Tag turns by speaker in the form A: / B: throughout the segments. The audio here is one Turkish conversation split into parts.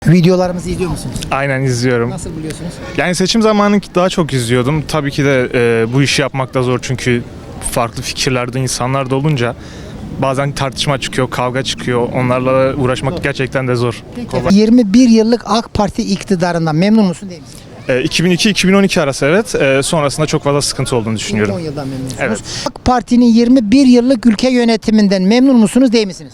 A: Videolarımızı izliyor musunuz?
B: Aynen izliyorum.
A: Nasıl buluyorsunuz?
B: Yani seçim zamanı daha çok izliyordum. Tabii ki de bu işi yapmak da zor çünkü farklı fikirlerde insanlar da olunca bazen tartışma çıkıyor, kavga çıkıyor. Onlarla uğraşmak gerçekten de zor. Kolay.
A: 21 yıllık AK Parti iktidarından memnun musun değil misin?
B: 2002-2012 arası evet. Sonrasında çok fazla sıkıntı olduğunu düşünüyorum.
A: 10 yıldan memnunsunuz.
B: Evet.
A: AK Parti'nin 21 yıllık ülke yönetiminden memnun musunuz değil misiniz?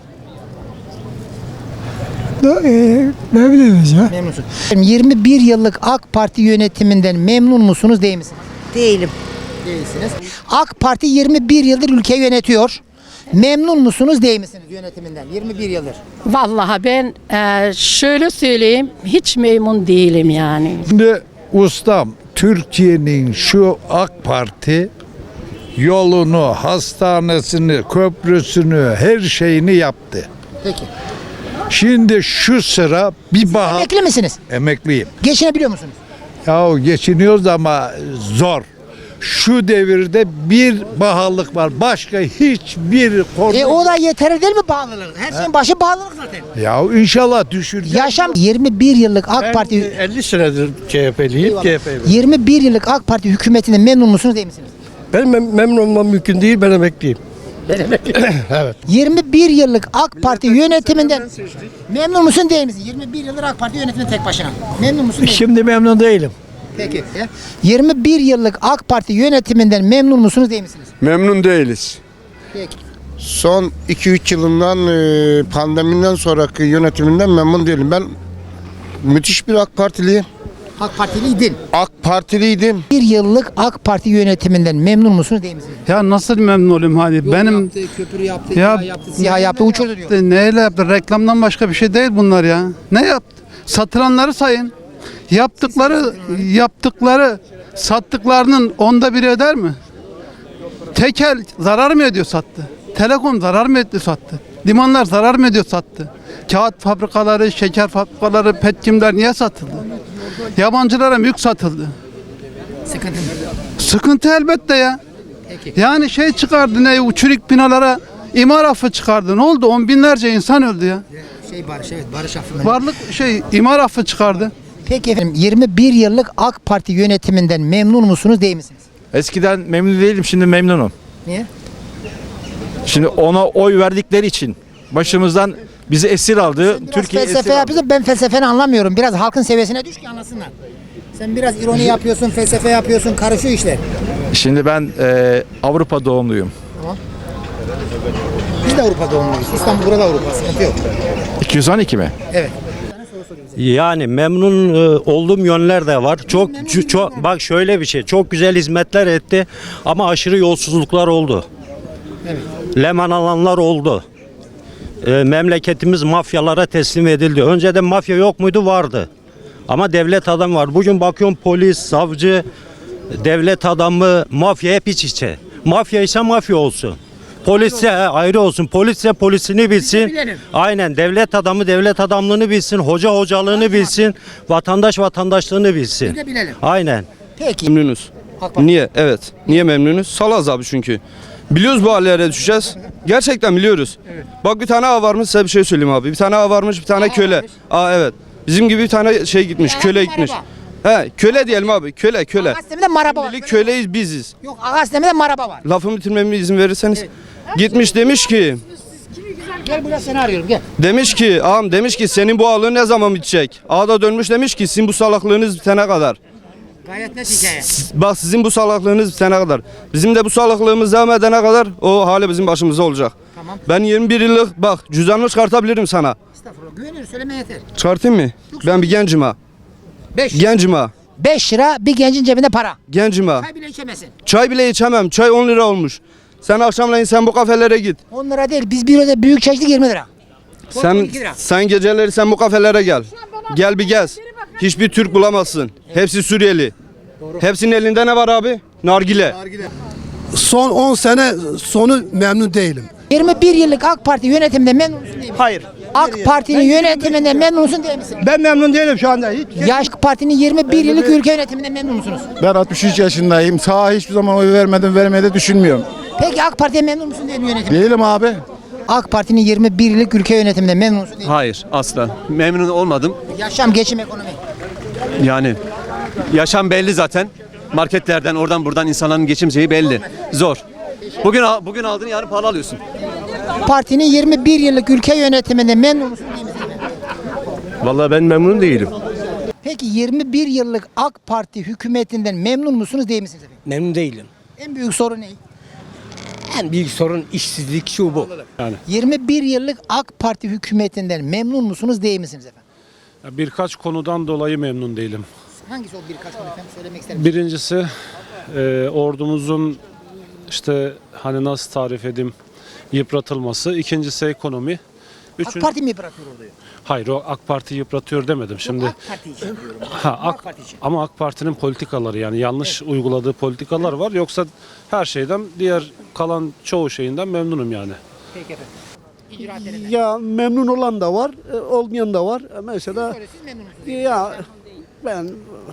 C: Ne bileyim ya.
A: Memnunsunuz. 21 yıllık AK Parti yönetiminden memnun musunuz değil misiniz? Değilim. Değilsiniz. AK Parti 21 yıldır ülke yönetiyor. Memnun musunuz değil misiniz yönetiminden? 21 yıldır.
D: Vallahi ben şöyle söyleyeyim, hiç memnun değilim yani.
E: Şimdi ustam, Türkiye'nin şu AK Parti yolunu, hastanesini, köprüsünü, her şeyini yaptı.
A: Peki.
E: Şimdi şu sıra bir bahar...
A: Emekli misiniz?
E: Emekliyim.
A: Geçinebiliyor musunuz?
E: Ya geçiniyoruz ama zor. Şu devirde bir pahalılık var. Başka hiçbir konu...
A: O da yeterli değil mi bağlılık? Her şeyin başı bağlılık zaten.
E: Ya inşallah düşüreceğiz.
A: Yaşam 21 yıllık AK Parti
C: 50 senedir CHP'liyim.
A: 21 yıllık AK Parti hükümetinden memnun musunuz değil misiniz?
C: Ben memnun olmam mümkün değil. Ben emekliyim. Evet.
A: 21 yıllık AK Parti yönetiminden memnun musun değil misin? 21 yıldır AK Parti yönetiminde tek başına. Memnun musun değil misin?
C: Şimdi memnun değilim.
A: Peki. 21 yıllık AK Parti yönetiminden memnun musunuz değil misiniz?
F: Memnun değiliz.
A: Peki.
F: Son 2-3 yılından pandemiden sonraki yönetiminden memnun değilim. Ben müthiş bir AK Partiliyim.
A: AK Partiliydin.
F: AK Partiliydim.
A: 1 yıllık AK Parti yönetiminden memnun musunuz değil misiniz?
G: Ya nasıl memnun olayım hadi benim
A: yaptı, köprü yaptı,
G: Ya-
A: siyah yaptı, uçurdu diyor.
G: neyle yaptı reklamdan başka bir şey değil bunlar ya. Ne yaptı? Satılanları sayın. Yaptıkları sattıklarının onda biri eder mi? Tekel zarar mı ediyor sattı? Telekom zarar mı etti sattı? Limanlar zarar mı ediyor sattı? Kağıt fabrikaları, şeker fabrikaları, petkimler niye satıldı? Yabancılara mülk satıldı.
A: Sıkıntı mı?
G: Sıkıntı elbette ya.
A: Peki.
G: Yani şey çıkardı ne uçurik binalara imar affı çıkardı. Ne oldu? On binlerce insan öldü ya.
A: Barış, evet, barış affında.
G: Varlık imar affı çıkardı.
A: Peki efendim 21 yıllık AK Parti yönetiminden memnun musunuz değil misiniz?
H: Eskiden memnun değilim, şimdi memnunum.
A: Niye?
H: Şimdi ona oy verdikleri için başımızdan bizi esir aldı.
A: Biraz
H: Türkiye esir
A: felsefe
H: aldı.
A: yapıyorsun, ben felsefeni anlamıyorum. Biraz halkın seviyesine düş ki anlasınlar. Sen biraz ironi yapıyorsun, felsefe yapıyorsun, karışıyor işler.
H: Şimdi ben Avrupa doğumluyum.
A: Biz de Avrupa doğumluyuz. İstanbul burada Avrupa, sıkıntı yok.
H: 212 mi?
A: Evet.
I: Yani memnun olduğum yönler de var. Çok bak şöyle bir şey. Çok güzel hizmetler etti ama aşırı yolsuzluklar oldu.
A: Evet.
I: Leman alanlar oldu. Memleketimiz mafyalara teslim edildi. Önceden mafya yok muydu? Vardı. Ama devlet adamı var. Bugün bakıyorum polis, savcı, devlet adamı, mafya hep iç içe. Mafya ise mafya olsun. Polisse ayrı olsun. Polisse polisini bilsin. Aynen. Devlet adamı devlet adamlığını bilsin. Hoca hocalığını bilsin. Vatandaş vatandaşlığını bilsin.
A: Bir de bilelim.
I: Aynen.
A: Peki.
J: Memnunuz.
A: AK Parti.
J: Niye? Evet. Niye memnunuz? Salaz abi çünkü. Biliyoruz bu hallere düşeceğiz. Gerçekten biliyoruz. Bak bir tane ağa varmış, size bir şey söyleyeyim abi. Bir tane ağa varmış, bir tane köle.
A: varmış.
J: Evet. Bizim gibi bir tane şey gitmiş, köle gitmiş. He, köle diyelim abi. Köle.
A: Ağastem'de maraba var.
J: Şimdilik köleyiz biziz.
A: Yok, Ağastem'de maraba var.
J: Lafımı bitirmeme izin verirseniz. Gitmiş demiş ki,
A: Gel buraya, seni arıyorum, gel.
J: ağam demiş ki senin bu ağalığın ne zaman bitecek? Ağa da dönmüş demiş ki sizin bu salaklığınız bitene kadar.
A: Gayet net hikaye.
J: Bak sizin bu salaklığınız bitene kadar. Bizim de bu salaklığımız devam edene kadar o hali bizim başımıza olacak.
A: Tamam.
J: Ben 21 yıllık bak cüzdanımı çıkartabilirim sana.
A: Estağfurullah. Güveniyorum, söyleme yeter.
J: Çıkartayım mı? Ben bir gencim ha.
A: 5 lira bir gencin cebinde para.
J: Gencim ha.
A: Çay bile içemesin.
J: Çay bile içemem. Çay 10 lira olmuş. Sen akşamleyin sen bu kafelere git.
A: 10 lira değil, biz bir öde büyük çay içtik 20 lira.
J: Sen
A: 12 lira.
J: sen geceleri sen bu kafelere gel. Gel bir gez. Hiçbir Türk bulamazsın. Hepsi Suriyeli. Hepsinin elinde ne var abi? Nargile.
C: Son 10 sene sonu memnun değilim.
A: 21 yıllık AK Parti yönetiminde memnun musun değil misin?
C: Hayır.
A: AK Parti'nin yönetiminden memnun musun değil misin?
C: Ben memnun değilim şu anda. Hiç.
A: AK Parti'nin 21 yıllık ülke yönetiminden memnun musunuz?
E: Ben 63 yaşındayım. Sağa hiçbir zaman oy vermedim, vermeyi de düşünmüyorum.
A: Peki AK Parti'ye memnun musun değil mi yönetim?
E: Değilim abi.
A: AK Parti'nin 21 yıllık ülke yönetiminde memnun musunuz? Değil.
K: Hayır, asla. Memnun olmadım.
A: Yaşam, geçim, ekonomi.
K: Yani yaşam belli zaten. Marketlerden oradan buradan insanların geçim şeyi belli. Zor. Bugün aldığını yarın pahalı alıyorsun.
A: Partinin 21 yıllık ülke yönetiminde memnun musunuz? Değil misiniz?
C: Vallahi ben memnun değilim.
A: Peki 21 yıllık AK Parti hükümetinden memnun musunuz? Değil misiniz efendim?
C: Memnun değilim.
A: En büyük sorun ne?
C: En büyük sorun işsizlik şu bu. Yani
A: 21 yıllık AK Parti hükümetinden memnun musunuz? Değil misiniz efendim?
L: Birkaç konudan dolayı memnun değilim.
A: Hangisi o birkaç konu efendim söylemek ister misiniz?
L: Birincisi ordumuzun işte hani nasıl tarif edeyim yıpratılması. İkincisi ekonomi.
A: AK Parti mi bırakıyor orada?
L: Hayır o AK Parti yıpratıyor demedim. Şimdi
A: AK Parti için diyorum.
L: AK
A: Parti için.
L: ama AK Parti'nin politikaları yani yanlış uyguladığı politikalar var. Yoksa her şeyden diğer kalan çoğu şeyinden memnunum yani.
A: Peki efendim. İcraatlerinden.
C: ya memnun olan da var, olmayan da var. Mesela
A: Siz memnun musunuz?
C: ya ben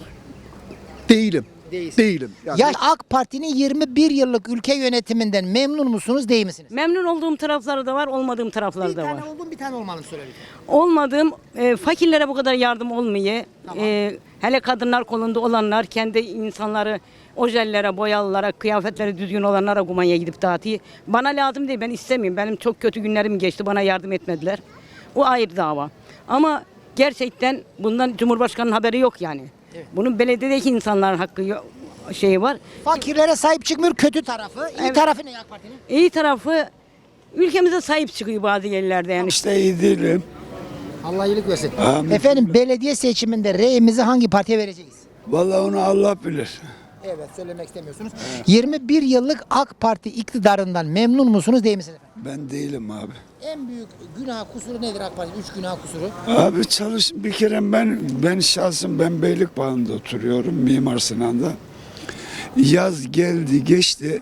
C: değilim. Değilim. Yani
A: Ya AK Parti'nin 21 yıllık ülke yönetiminden memnun musunuz? Değil misiniz?
D: Memnun olduğum tarafları da var, olmadığım tarafları
A: Bir
D: da var.
A: tane oldum, bir tane olmadım söyledim.
D: Olmadığım fakirlere bu kadar yardım olmuyor. Hele kadınlar kolunda olanlar kendi insanları ojellere, boyalılara, kıyafetleri düzgün olanlara kumanya gidip dağıtıyor. Bana lazım değil, ben istemiyorum. Benim çok kötü günlerim geçti, bana yardım etmediler. O ayrı dava. Ama gerçekten bundan Cumhurbaşkanı'nın haberi yok yani. Bunun belediyedeki insanların hakkı şeyi var.
A: Fakirlere sahip çıkmıyor, kötü tarafı. İyi tarafı ne AK Parti'nin?
D: İyi tarafı ülkemize sahip çıkıyor bazı yerlerde yani.
E: İşte iyi değilim.
A: Allah iyilik versin. Efendim belediye seçiminde reyimizi hangi partiye vereceğiz?
E: Vallahi onu Allah bilir.
A: Evet, söylemek istemiyorsunuz. 21 yıllık AK Parti iktidarından memnun musunuz? Değil misiniz efendim?
E: Ben değilim abi.
A: En büyük günah kusuru nedir AK Parti'nin? 3 günah kusuru.
E: Abi bir kere ben şahsım ben Beylikbağı'nda oturuyorum Mimar Sinan'da. Yaz geldi geçti.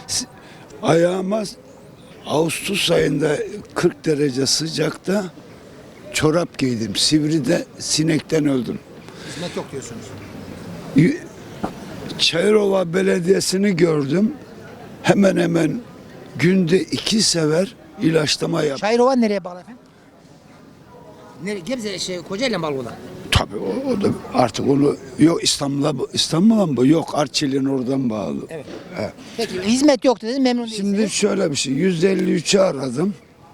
E: Ayağıma Ağustos ayında 40 derece sıcakta çorap giydim. Sivri'de sinekten öldüm.
A: Hizmet yok diyorsunuz.
E: Çayırova Belediyesi'ni gördüm. Hemen hemen günde 2 sefer ilaçlama yap.
A: Çayırova nereye bağlı efendim? Gebze Kocaeli mi bağlı olan?
E: Tabii o da artık onu yok İstanbul'a mı? Yok Arçelik'in oradan bağlı.
A: Evet.
E: Evet.
A: Peki hizmet yok dediniz, memnun değilsiniz.
E: Şimdi şöyle bir şey 153'ü aradım.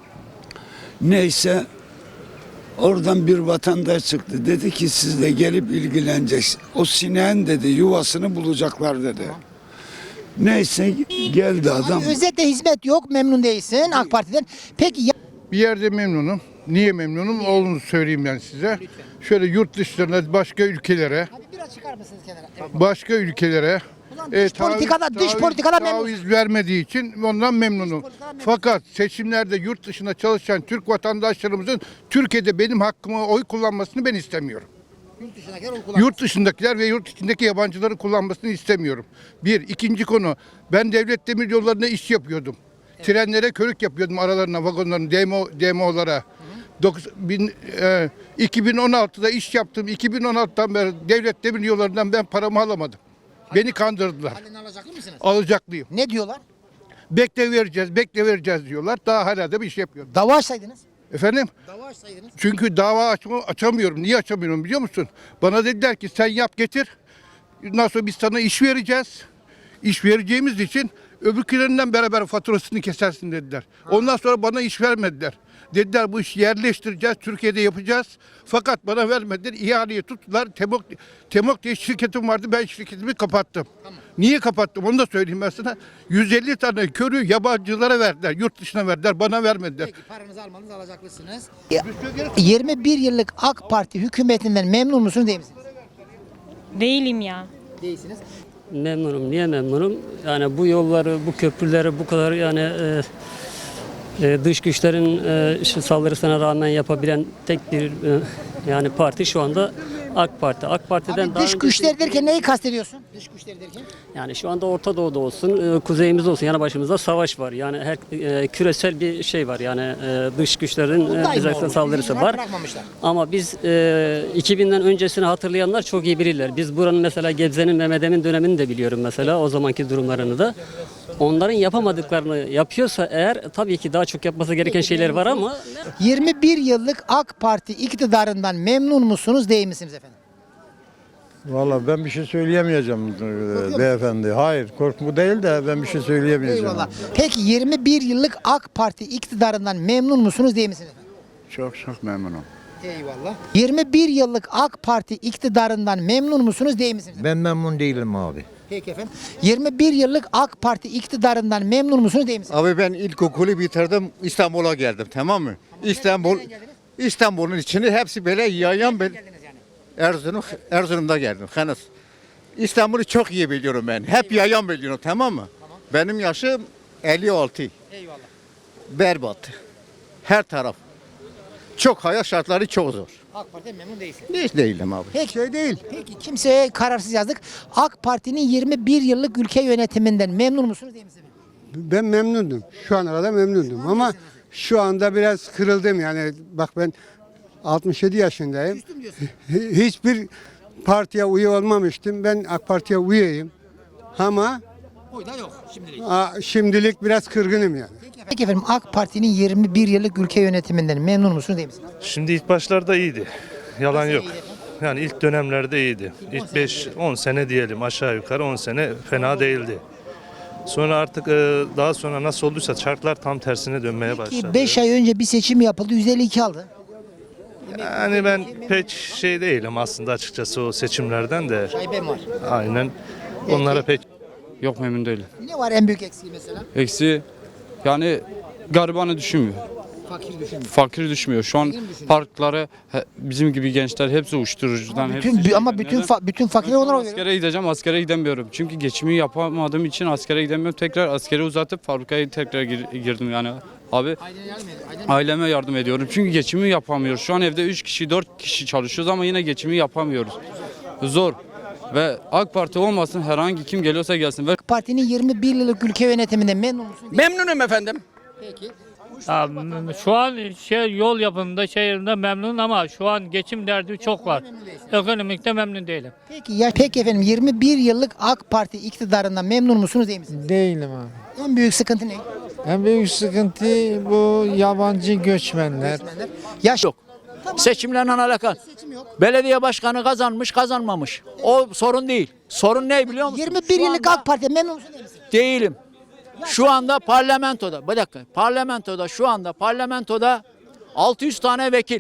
E: Neyse oradan bir vatandaş çıktı. Dedi ki siz de gelip ilgileneceksiniz. O sineğin dedi yuvasını bulacaklar dedi. Neyse geldi adam.
A: Özetle hizmet yok, memnun değilsin AK Parti'den. Peki
L: Bir yerde memnunum. Niye memnunum? Olduğunu söyleyeyim ben size. Şöyle yurt dışlarına, başka ülkelere,
A: hadi biraz çıkar mısınız kenara? Evet.
L: başka ülkelere
A: Dış politikada memnun.
L: taviz vermediği için ondan memnunum. Fakat seçimlerde yurt dışında çalışan Türk vatandaşlarımızın Türkiye'de benim hakkımı oy kullanmasını ben istemiyorum. Yurt dışındakiler ve yurt içindeki yabancıları kullanmasını istemiyorum. Bir. İkinci konu. Ben devlet demiryollarına iş yapıyordum. Trenlere körük yapıyordum aralarına, vagonların, DMO'lara. 2016'da iş yaptım. 2016'dan beri devlet demiryollarından ben paramı alamadım. Beni kandırdılar.
A: Halen alacaklı mısınız?
L: Alacaklıyım.
A: Ne diyorlar?
L: Bekle vereceğiz diyorlar. Daha hala da bir iş yapıyorum.
A: Dava açsaydınız.
L: Efendim?
A: Dava açsaydınız.
L: Çünkü dava açamıyorum. Niye açamıyorum biliyor musun? Bana dediler ki sen yap getir. Ondan sonra biz sana iş vereceğiz. İş vereceğimiz için öbürkülerinden beraber faturasını kesersin dediler. Ondan sonra bana iş vermediler. Dediler bu işi yerleştireceğiz, Türkiye'de yapacağız. Fakat bana vermediler, ihaleyi tuttular. Temok diye şirketim vardı, ben şirketimi kapattım. Tamam. Niye kapattım onu da söyleyeyim ben sana. 150 tane körü yabancılara verdiler, yurt dışına verdiler, bana vermediler.
A: Peki paranızı almanız alacaklısınız. 21 yıllık AK Parti hükümetinden memnun musunuz değil misiniz?
M: Değilim ya.
A: Değilsiniz.
I: Memnunum. Niye memnunum? Yani bu yolları, bu köprüleri bu kadar yani dış güçlerin saldırısına rağmen yapabilen tek bir yani parti şu anda AK Parti. AK Parti'den
A: Abi
I: daha
A: dış güçler derken neyi kastediyorsun? Dış güçler derken?
I: yani şu anda Orta Doğu'da olsun, kuzeyimizde olsun yani başımızda savaş var. Yani her küresel bir şey var. Yani dış güçlerin bize saldırısı var. Ama biz 2000'den öncesini hatırlayanlar çok iyi bilirler. Biz buranın mesela Gebze'nin Mehmet Emin dönemini de biliyorum mesela o zamanki durumlarını da.
N: Onların yapamadıklarını yapıyorsa eğer tabii ki daha çok yapması gereken şeyler var ama
A: 21 yıllık AK Parti iktidarından memnun musunuz değil misiniz efendim?
F: Valla ben bir şey söyleyemeyeceğim beyefendi. Hayır, korkmu değil de ben bir şey söyleyemeyeceğim.
A: Eyvallah. Peki 21 yıllık AK Parti iktidarından memnun musunuz değil misiniz efendim?
E: Çok memnunum.
A: Eyvallah. 21 yıllık AK Parti iktidarından memnun musunuz değil misiniz?
F: Ben memnun değilim abi.
A: Peki efendim. 21 yıllık AK Parti iktidarından memnun musunuz değil misiniz?
F: Abi ben ilkokulu bitirdim, İstanbul'a geldim, tamam mı? İstanbul'un içini hepsi böyle yayan ben. Erzurum'da geldim. Henüz. İstanbul'u çok iyi biliyorum ben. Hep yayan biliyorum, tamam mı? Benim yaşım 56.
A: Eyvallah.
F: Berbat. Her taraf. Çok hayat şartları çok zor.
A: AK Parti'den memnun değilsiniz.
F: Hiç değilim abi.
A: Peki. Peki kimseye kararsız yazdık. AK Parti'nin 21 yıllık ülke yönetiminden memnun musunuz değil misiniz?
C: Ben memnundum. Şu ana kadar memnundum ama şu anda biraz kırıldım yani. Bak ben 67 yaşındayım.
A: Küstüm diyorsun.
C: Hiçbir partiye üye olmamıştım. Ben AK Parti'ye üyeyim. Ama
A: Oy da yok şimdilik.
C: şimdilik biraz kırgınım yani.
A: Peki efendim AK Parti'nin 21 yıllık ülke yönetiminden memnun musunuz değil misiniz?
B: Şimdi ilk başlarda iyiydi. Yalan yok.
A: iyiydi efendim?
B: Yani ilk dönemlerde iyiydi. İlk 5-10 sene diyelim, aşağı yukarı 10 sene fena değildi. Sonra artık daha sonra nasıl olduysa çarklar tam tersine dönmeye başladı.
A: Ki 5 ay önce bir seçim yapıldı 152 aldı.
B: Yani ben pek şey değilim aslında açıkçası o seçimlerden de.
A: Şaibem var.
B: Aynen. Onlara pek
J: Yok memnun değilim.
A: Ne var en büyük eksiği mesela?
J: Eksi yani garibanı düşünmüyor.
A: Fakir düşünmüyor.
J: Fakir düşmüyor. Şu an
A: Fakir mi düşünüyor?
J: parkları bizim gibi gençler hepsi uyuşturucudan.
A: Bütün fakirler onlara oy veriyor.
J: Askere gideceğim, askere gidemiyorum. Çünkü geçimi yapamadığım için askere gidemiyorum. Tekrar askere uzatıp fabrikaya tekrar girdim yani. Abi aileme yardım ediyorum. Çünkü geçimi yapamıyoruz. Şu an evde 3 kişi, 4 kişi çalışıyoruz ama yine geçimi yapamıyoruz. Zor. Ve AK Parti olmasın herhangi kim geliyorsa gelsin. Ve
A: AK Parti'nin 21 yıllık ülke yönetiminden memnun musunuz?
N: memnunum efendim.
A: Peki.
M: Şu an yol yapımında şehirde memnun ama şu an geçim derdi çok var. Ekonomikte memnun değilim.
A: Peki efendim 21 yıllık AK Parti iktidarından memnun musunuz değil misiniz?
O: Değilim abi.
A: En büyük sıkıntı ne?
O: En büyük sıkıntı bu yabancı göçmenler.
A: Yaş yok.
N: Seçimlerle alakalı.
A: Seçim yok.
N: Belediye başkanı kazanmış, kazanmamış. O sorun değil. Sorun ne biliyor musun?
A: 21 yıllık AK Parti memnun musunuz değil misiniz?
N: Değilim. Şu anda parlamentoda, bir dakika, parlamentoda 600 tane vekil.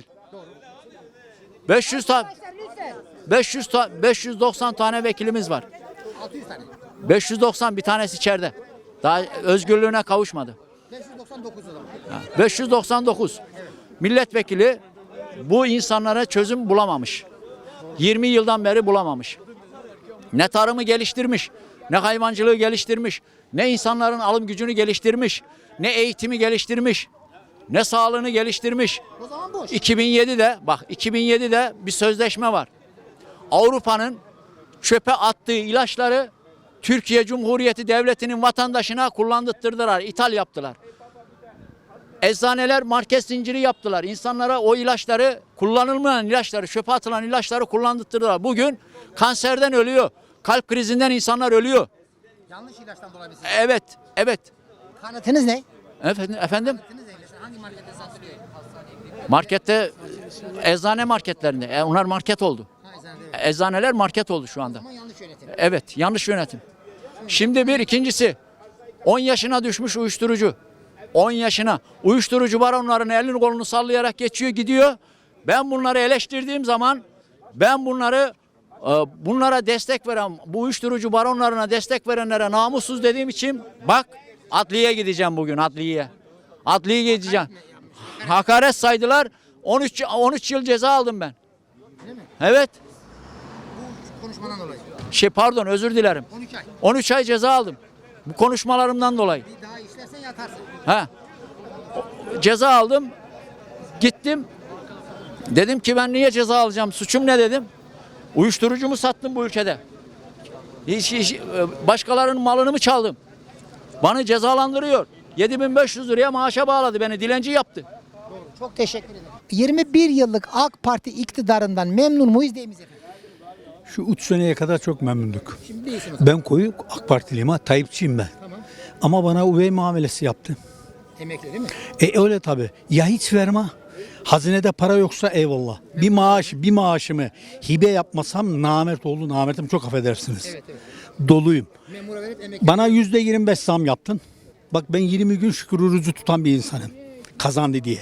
N: 590 tane vekilimiz var.
A: 600 tane.
N: 590 bir tanesi içeride. Daha özgürlüğüne kavuşmadı.
A: 599 o zaman.
N: 599 milletvekili bu insanlara çözüm bulamamış. 20 yıldan beri bulamamış. Ne tarımı geliştirmiş, ne hayvancılığı geliştirmiş, ne insanların alım gücünü geliştirmiş, ne eğitimi geliştirmiş, ne sağlığını geliştirmiş.
A: O zaman boş.
N: 2007'de bir sözleşme var. Avrupa'nın çöpe attığı ilaçları Türkiye Cumhuriyeti Devleti'nin vatandaşına kullandırttılar, ithal yaptılar. Eczaneler market zinciri yaptılar. İnsanlara o ilaçları, kullanılmayan ilaçları, çöpe atılan ilaçları kullandırttılar. Bugün kanserden ölüyor. Kalp krizinden insanlar ölüyor.
A: Yanlış ilaçtan dolayı mı?
N: Evet.
A: Kanıtınız ne?
N: Efendim?
A: Kanıtınız ne? Hangi markette satılıyor?
N: Markette, eczane marketlerinde. Onlar market oldu. Eczaneler market oldu şu anda.
A: Ama yanlış yönetim.
N: Evet, yanlış yönetim. Şimdi ikincisi 10 yaşına düşmüş uyuşturucu. 10 yaşına uyuşturucu baronların elini kolunu sallayarak geçiyor gidiyor. Ben bunları eleştirdiğim zaman bunlara destek veren, bu uyuşturucu baronlarına destek verenlere namussuz dediğim için bak adliyeye gideceğim bugün adliyeye. Adliyeye gideceğim. Hakaret saydılar. 13 yıl ceza aldım ben. Evet.
A: Bu konuşmadan dolayı.
N: Pardon özür dilerim.
A: 13 ay.
N: 13 ay ceza aldım. Bu konuşmalarımdan dolayı.
A: Bir daha işlersen yatarsın.
N: Ceza aldım. Gittim. Dedim ki ben niye ceza alacağım? Suçum ne dedim? Uyuşturucu mu sattım bu ülkede? Başkalarının malını mı çaldım? Bana cezalandırıyor. 7.500 liraya maaşa bağladı beni. Dilenci yaptı.
A: Çok teşekkür ederim. 21 yıllık AK Parti iktidarından memnun muyuz değil miyiz efendim?
P: Şu 3 seneye kadar çok memnunduk.
A: Şimdi değilsin o zaman.
P: Ben koyu AK Partiliyim ha, Tayyipçiyim ben.
A: Tamam.
P: Ama bana üvey muamelesi yaptı.
A: Emekli değil mi?
P: Öyle tabii. Ya hiç verme. Hazinede para yoksa eyvallah. Bir maaşımı hibe yapmasam namert oldu. Namertim, çok affedersiniz.
A: Evet.
P: Doluyum.
A: Memura verip emekli.
P: Bana %25 zam yaptın. Bak ben 20 gün şükür orucu tutan bir insanım. Kazandı diye.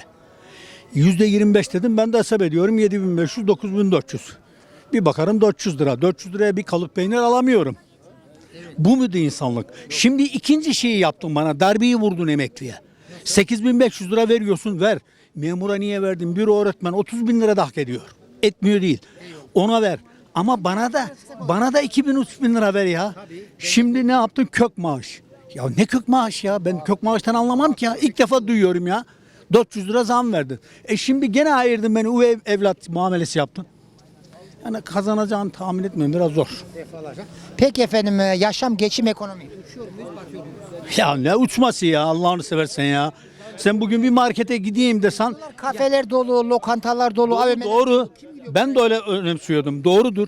P: %25 dedim, ben de hesap ediyorum 7.500, 9.400. Bir bakarım 400 lira. 400 liraya bir kalıp peynir alamıyorum. Bu muydu insanlık? Şimdi ikinci şeyi yaptın bana. Darbeyi vurdun emekliye. 8.500 lira veriyorsun, ver. Memura niye verdin? Bir öğretmen 30.000 lira da hak ediyor. Etmiyor değil. Ona ver. Ama bana da 2.000-3.000 lira ver ya. Şimdi ne yaptın? Kök maaş. Ya ne kök maaş ya? Ben kök maaştan anlamam ki ya. İlk defa duyuyorum ya. 400 lira zam verdin. Şimdi gene ayırdın beni, üvey evlat muamelesi yaptın. Yani kazanacağını tahmin etmiyorum, biraz zor.
A: Peki efendim, yaşam, geçim, ekonomi. Uçuyor muyuz, batıyor muyuz?
P: Ya ne uçması ya, Allah'ını seversen ya. Sen bugün bir markete gideyim desen.
A: Kafeler dolu, lokantalar dolu.
P: Doğru. Ben de öyle önemsiyordum. Doğrudur.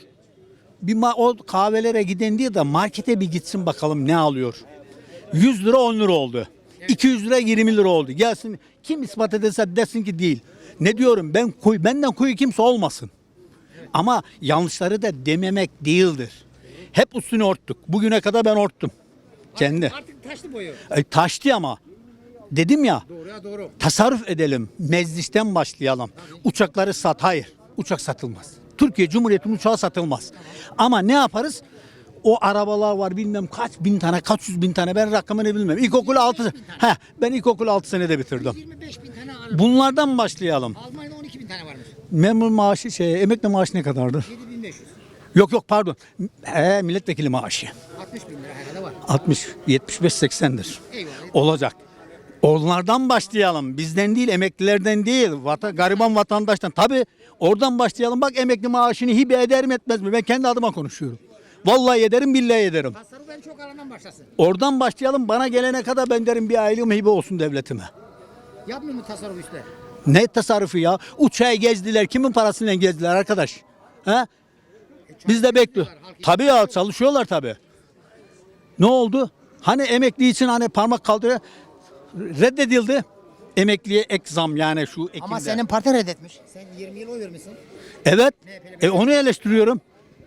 P: O kahvelere giden diye de markete bir gitsin bakalım ne alıyor. 100 lira 10 lira oldu. 200 lira 20 lira oldu. Gelsin kim ispat ederse desin ki değil. Ne diyorum, benden kuyu kimse olmasın. Ama yanlışları da dememek değildir. Hep üstünü örttük. Bugüne kadar ben örttüm. Kendi.
A: Artık taşlı boyu.
P: Taştı ama. Dedim ya.
A: Doğru.
P: Tasarruf edelim. Meclisten başlayalım. Uçakları sat. Hayır. Uçak satılmaz. Türkiye Cumhuriyeti'nin uçağı satılmaz. Ama ne yaparız? O arabalar var, bilmem kaç bin tane, kaç yüz bin tane, ben rakamını bilmem. Ben ilkokulu 6 senede bitirdim.
A: 25.000 tane araba.
P: Bunlardan başlayalım.
A: Almanya'da 12.000 tane varmış.
P: Memur maaşı emekli maaşı ne kadardır?
A: 7.500.
P: Yok pardon. Milletvekili maaşı.
A: 60.000 lira herhalde var.
P: 60, 75, 80'dir.
A: Eyvallah.
P: Olacak. Onlardan başlayalım. Bizden değil, emeklilerden değil. Gariban vatandaştan. Tabii oradan başlayalım. Bak emekli maaşını hibe eder mi etmez mi? Ben kendi adıma konuşuyorum. Vallahi ederim, billahi ederim.
A: Tasarruf en çok alandan başlasın.
P: Oradan başlayalım. Bana gelene kadar ben derim bir aylığım hibe olsun devletime.
A: Yapmıyor mu tasarruf işte?
P: Ne tasarrufu ya? Uçağı gezdiler. Kimin parasıyla gezdiler arkadaş? He? Biz de bekliyoruz. Tabii ya, çalışıyorlar tabii. Ne oldu? Hani emekli için hani parmak kaldırıyor. Reddedildi. Emekliye ek zam, yani şu Ekim'de.
A: Ama senin parti reddetmiş. Sen 20 yıl oy vermişsin.
P: Evet. Onu eleştiriyorum.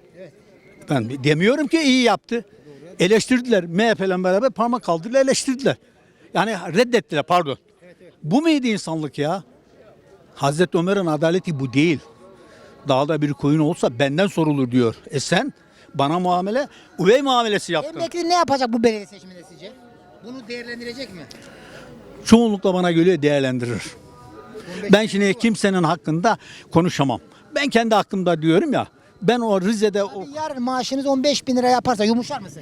P: Ben demiyorum ki iyi yaptı. Eleştirdiler. MHP'yle beraber parmak kaldırdılar, eleştirdiler. Yani reddettiler, pardon. Bu muydu insanlık ya? Hazreti Ömer'in adaleti bu değil. Dağda bir koyun olsa benden sorulur diyor. Sen bana üvey muamelesi yaptın.
A: Emekli ne yapacak bu belediye seçiminde sizce? Bunu değerlendirecek mi?
P: Çoğunlukla bana göre değerlendirir. Ben şimdi kimsenin hakkında konuşamam. Ben kendi hakkımda diyorum ya. Ben o Rize'de
A: Yarın maaşınız 15.000 lira yaparsa yumuşar mısın?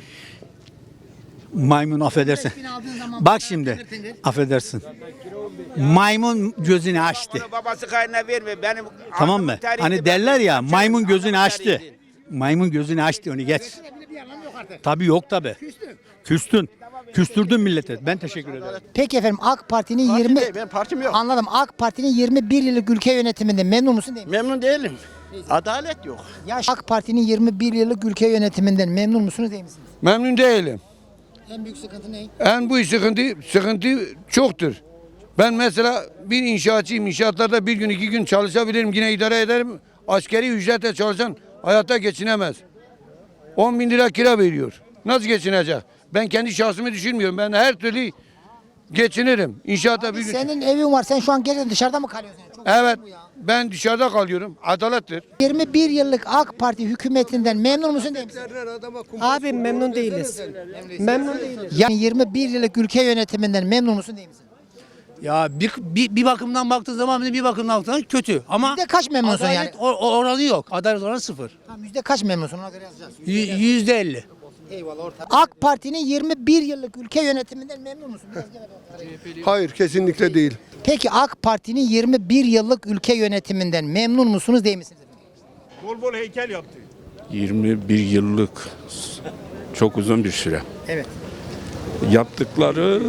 P: maymun, affedersin. Bak şimdi, affedersin. Maymun gözünü açtı.
Q: Babası kaynına verme. Benim
P: Tamam mı? Hani derler ya, maymun gözünü açtı. Maymun gözünü açtı, onu geç. Tabii yok tabii. Küstün. Küstürdün millete. Ben teşekkür ederim.
A: Peki efendim, AK Parti'nin 20
Q: ben partim yok.
A: Anladım. AK Parti'nin 21 yıllık ülke yönetiminde memnun musun değil mi?
Q: Memnun değilim. Adalet yok.
A: AK Parti'nin 21 yıllık ülke yönetiminden memnun musunuz değil misiniz?
L: Memnun değilim.
A: En büyük sıkıntı ne?
L: En büyük sıkıntı çoktur. Ben mesela bir inşaatçıyım. İnşaatlarda bir gün 2 gün çalışabilirim. Yine idare ederim. Askeri ücretle çalışan hayatta geçinemez. 10.000 lira kira veriyor. Nasıl geçinecek? Ben kendi şahsımı düşünmüyorum. Ben her türlü geçinirim. İnşaatta bir gün...
A: Senin evin var. Sen şu an gece dışarıda mı kalıyorsun? Çok
L: Evet. Ben dışarıda kalıyorum. Adalettir.
A: 21 yıllık AK Parti hükümetinden memnun musun değil misin?
R: Abi memnun değiliz. Memnun değiliz.
A: Yani 21 yıllık ülke yönetiminden memnun musun değil misin?
R: Ya bir bakımdan baktığı zaman bir bakımdan baktığında kötü. Ama
A: Yüzde kaç memnunsun
R: adalet
A: yani?
R: oranı yok. Adalet oranı 0.
A: Tamam, yüzde kaç memnunsun, ona göre yazacağız.
R: %50.
A: Eyvallah, orta. AK Parti'nin 21 yıllık ülke yönetiminden memnun musun? Biraz gel bakalım.
C: Hayır, kesinlikle değil.
A: Peki AK Parti'nin 21 yıllık ülke yönetiminden memnun musunuz değil misiniz?
Q: Bol bol heykel yaptı.
S: 21 yıllık çok uzun bir süre.
A: Evet.
S: Yaptıkları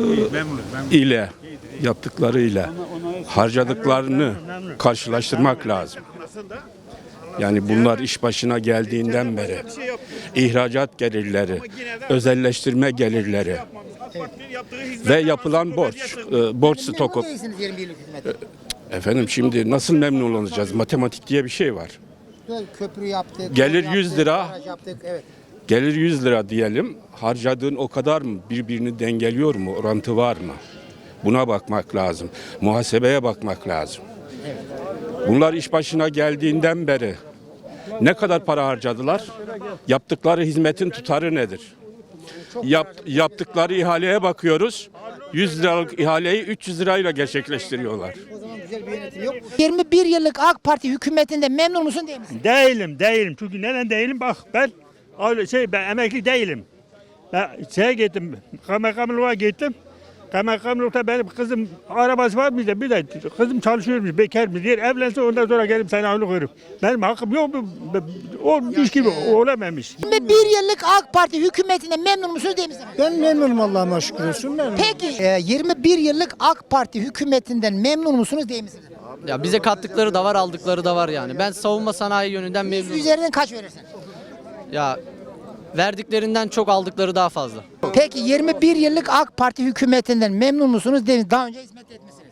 S: ile harcadıklarını karşılaştırmak lazım. Yani bunlar iş başına geldiğinden beri ihracat gelirleri, özelleştirme gelirleri Ve yapılan borç. Borç stoku.
A: Memnun değilsiniz 21 yıllık hükümetten.
S: Efendim şimdi nasıl memnun olacağız? Matematik diye bir şey var.
A: Köprü yaptık.
S: Gelir
A: yol
S: 100
A: yaptık,
S: lira.
A: baraj yaptık. Evet.
S: Gelir 100 lira diyelim. Harcadığın o kadar mı? Birbirini dengeliyor mu? Orantı var mı? Buna bakmak lazım. Muhasebeye bakmak lazım. Bunlar iş başına geldiğinden beri ne kadar para harcadılar? Yaptıkları hizmetin tutarı nedir? Yaptıkları ihaleye bakıyoruz. 100 liralık ihaleyi 300 lirayla gerçekleştiriyorlar.
A: 21 yıllık AK Parti hükümetinde memnun musun değil misin?
Q: Değilim. Çünkü neden değilim? Bak ben ben emekli değilim. Ben gittim. Kaymakamlığa gittim. Kaymakamlıkta benim kızım arabası var mıydı? Bir de kızım çalışıyormuş, bekarmış. Diğer evlense ondan sonra gelip sana onu koyarım. Benim hakkım yok mu? Olmuş gibi olamamış.
A: 21 yıllık AK Parti hükümetinde memnun musunuz değil misiniz?
O: Ben memnunum Allah'ıma şükür olsun.
A: Peki 21 yıllık AK Parti hükümetinden memnun musunuz değil misiniz?
R: Ya bize kattıkları da var, aldıkları da var yani. Ben savunma sanayi yönünden memnunum.
A: Üzerinden kaç verirsin?
R: Ya verdiklerinden çok aldıkları daha fazla.
A: Peki 21 yıllık AK Parti hükümetinden memnun musunuz değil misiniz? Daha önce hizmet etmişsiniz.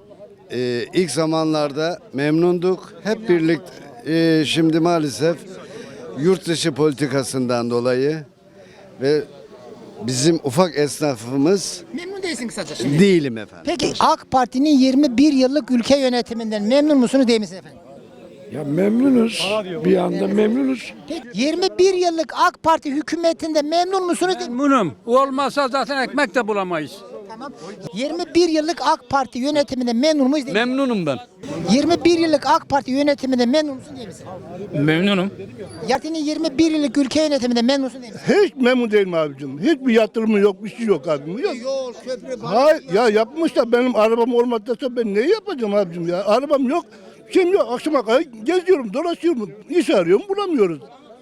E: İlk zamanlarda memnunduk. Hep birlikte şimdi maalesef yurt dışı politikasından dolayı ve bizim ufak esnafımız
A: Memnun değilsin kısaca şimdi.
E: değilim efendim.
A: Peki AK Parti'nin 21 yıllık ülke yönetiminden memnun musunuz değil misiniz efendim?
S: Ya memnunuz. Bir anda memnunuz.
A: Peki 21 yıllık AK Parti hükümetinde memnun musunuz değil misiniz?
R: Memnunum. Olmazsa zaten ekmek de bulamayız.
A: Tamam. 21 yıllık AK Parti yönetiminde memnun muyuz değil misiniz?
R: Memnunum ben.
A: 21 yıllık AK Parti yönetiminde memnun musun değil misin?
J: Memnunum.
A: Parti'nin 21 yıllık ülke yönetiminde memnun musun değil misin?
L: Hiç memnun değilim abicim. Hiçbir yatırımı yok, bir şey yok abicim. Yok.
A: Yol, köprü,
L: Hayır ya yapmış da benim arabam olmadıysa ben ne yapacağım abicim ya? Arabam yok, şeyim yok. Akşama kadar geziyorum, dolaşıyorum. İş arıyorum, bulamıyoruz.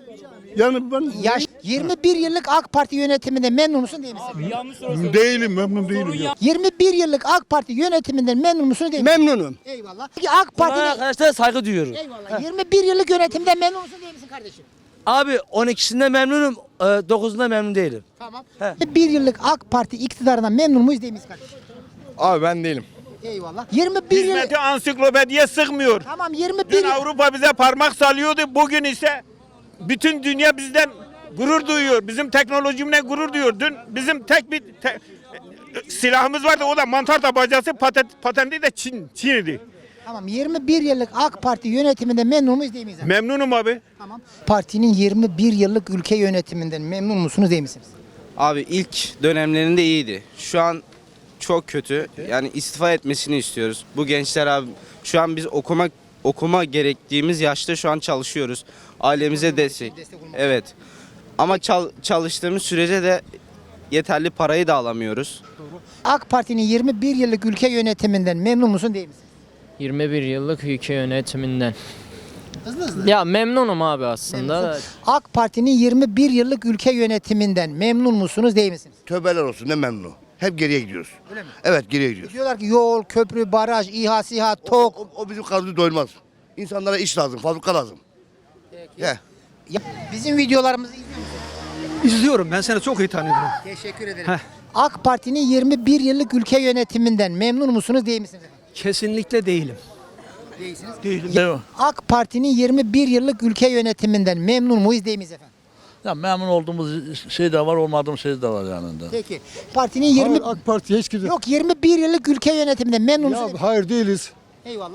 L: Yani ben
A: 21 yıllık AK Parti yönetiminde memnun musun değil misin?
L: değilim, memnun değilim.
A: 21 yıllık AK Parti yönetiminden memnun musunuz değil misin?
E: Memnunum.
A: Eyvallah. Peki AK Parti'nin
R: Arkadaşlar saygı duyuyorum.
A: eyvallah. 21 yıllık yönetimden memnun musun değil misin kardeşim?
R: Abi 12'sinde memnunum, 9'unda memnun değilim.
A: Tamam. 21 yıllık AK Parti iktidarından memnun muyuz değil miyiz kardeşim?
F: Abi ben değilim.
A: Eyvallah. 21 yıl
Q: Ansiklopediye sıkmıyor.
A: Tamam 21 yıl
Q: Avrupa bize parmak sallıyordu. Bugün ise bütün dünya bizden gurur duyuyor. Bizim teknolojimle gurur duyuyor. Dün bizim tek bir silahımız vardı. O da mantar tabancası patenti de Çin'di.
A: Tamam 21 yıllık AK Parti yönetiminde memnun muyuz değil miyiz?
Q: Memnunum abi.
A: Tamam. Partinin 21 yıllık ülke yönetiminden memnun musunuz değil misiniz?
J: Abi ilk dönemlerinde iyiydi. Şu an çok kötü. Yani istifa etmesini istiyoruz. Bu gençler abi şu an biz okuma gerektiğimiz yaşta şu an çalışıyoruz. Ailemize destek. Evet. Ama çalıştığımız sürece de yeterli parayı da alamıyoruz.
A: AK Parti'nin 21 yıllık ülke yönetiminden memnun musun değil misin?
M: 21 yıllık ülke yönetiminden.
A: Hızlı.
M: Ya memnunum abi aslında.
A: Memnunsun. AK Parti'nin 21 yıllık ülke yönetiminden memnun musunuz değil misiniz?
F: Tövbeler olsun ne memnun. Hep geriye gidiyoruz.
A: Öyle mi?
F: Evet geriye gidiyoruz.
A: Diyorlar ki yol, köprü, baraj, İHA, SİHA, TOK.
F: O bizim karnımızı doyurmaz. İnsanlara iş lazım, fabrika lazım. He.
A: Ya, bizim videolarımızı izliyor musunuz?
R: İzliyorum. Ben seni çok iyi tanıyorum.
A: Teşekkür ederim. AK Parti'nin 21 yıllık ülke yönetiminden memnun musunuz değil misiniz?
R: Kesinlikle değilim.
A: Değilsiniz.
R: Değilim.
A: AK Parti'nin 21 yıllık ülke yönetiminden memnun muyuz değil miyiz efendim?
Q: Ya memnun olduğumuz şey de var, olmadığımız şey de var yanında.
A: Peki. Partinin 20
O: AK Parti hiç kimse.
A: Yok 21 yıllık ülke yönetiminden memnun musunuz?
O: Hayır değiliz.
A: Eyvallah.